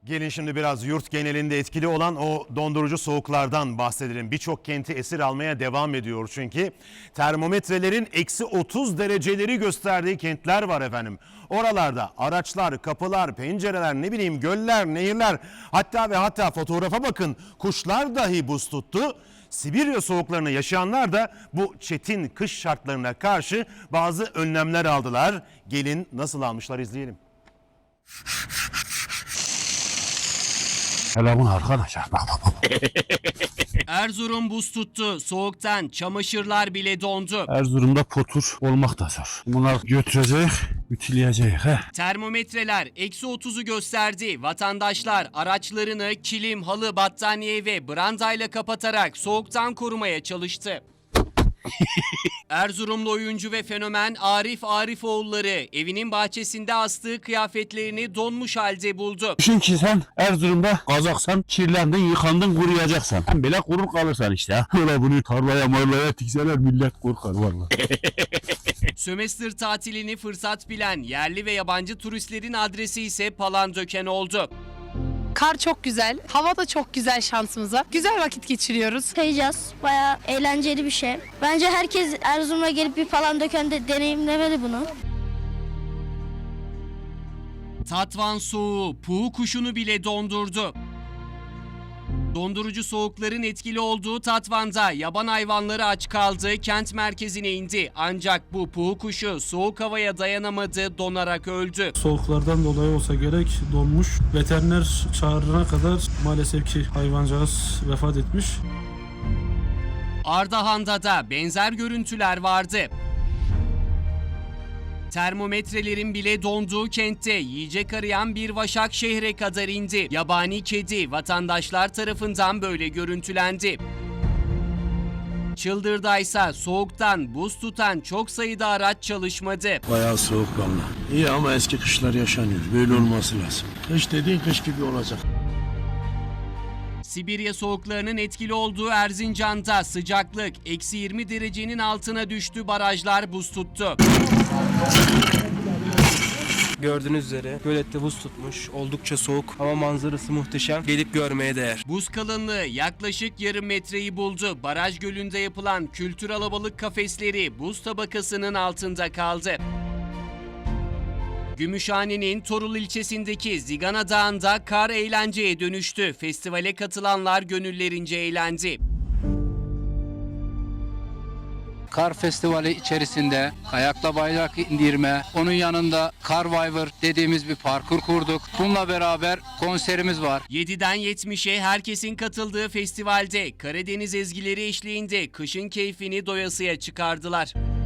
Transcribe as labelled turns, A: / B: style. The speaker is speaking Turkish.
A: Gelin şimdi biraz yurt genelinde etkili olan o dondurucu soğuklardan bahsedelim. Birçok kenti esir almaya devam ediyor çünkü. Termometrelerin eksi 30 dereceleri gösterdiği kentler var efendim. Oralarda araçlar, kapılar, pencereler, ne bileyim göller, nehirler, hatta fotoğrafa bakın, kuşlar dahi buz tuttu. Sibirya soğuklarını yaşayanlar da bu çetin kış şartlarına karşı bazı önlemler aldılar. Gelin nasıl almışlar izleyelim.
B: Hele bunu arkadaşlar bak.
C: Erzurum buz tuttu. Soğuktan çamaşırlar bile dondu.
B: Erzurum'da potur olmak da zor. Bunlar götürecek, ütüleyecek.
C: Termometreler eksi 30'u gösterdi. Vatandaşlar araçlarını kilim, halı, battaniye ve brandayla kapatarak soğuktan korumaya çalıştı. Erzurumlu oyuncu ve fenomen Arif Arifoğulları evinin bahçesinde astığı kıyafetlerini donmuş halde buldu.
B: Düşün ki sen Erzurum'da kazaksan, kirlendin, yıkandın, kuruyacaksan. Sen bile kurur kalırsan işte. Öyle bunu tarlaya marlaya tikseler millet korkar vallahi.
C: Sömestr tatilini fırsat bilen yerli ve yabancı turistlerin adresi ise Palandöken oldu.
D: Kar çok güzel, hava da çok güzel şansımıza. Güzel vakit geçiriyoruz.
E: Kayacağız. Bayağı eğlenceli bir şey. Bence herkes Erzurum'a gelip bir Palandöken'de deneyimlemeli bunu.
C: Tatvan soğuğu puğu kuşunu bile dondurdu. Dondurucu soğukların etkili olduğu Tatvan'da yaban hayvanları aç kaldı, kent merkezine indi. Ancak bu puğu kuşu soğuk havaya dayanamadı, donarak öldü.
F: Soğuklardan dolayı olsa gerek donmuş. Veteriner çağırana kadar maalesef ki hayvancağız vefat etmiş.
C: Ardahan'da da benzer görüntüler vardı. Termometrelerin bile donduğu kentte yiyecek arayan bir vaşak şehre kadar indi. Yabani kedi vatandaşlar tarafından böyle görüntülendi. Çıldırdaysa soğuktan buz tutan çok sayıda araç çalışmadı.
G: Bayağı soğuk vallahi. İyi ama eski kışlar yaşanıyor. Böyle olması lazım. Kış dediğin kış gibi olacak.
C: Sibirya soğuklarının etkili olduğu Erzincan'da sıcaklık eksi 20 derecenin altına düştü, barajlar buz tuttu.
H: Gördüğünüz üzere gölette buz tutmuş, oldukça soğuk ama manzarası muhteşem, gelip görmeye değer.
C: Buz kalınlığı yaklaşık yarım metreyi buldu. Baraj gölünde yapılan kültür alabalık kafesleri buz tabakasının altında kaldı. Gümüşhane'nin Torul ilçesindeki Zigana Dağı'nda kar eğlenceye dönüştü. Festivale katılanlar gönüllerince eğlendi.
I: Kar festivali içerisinde kayakla bayrak indirme, onun yanında Carviver dediğimiz bir parkur kurduk. Bununla beraber konserimiz var.
C: 7'den 70'e herkesin katıldığı festivalde Karadeniz ezgileri eşliğinde kışın keyfini doyasıya çıkardılar.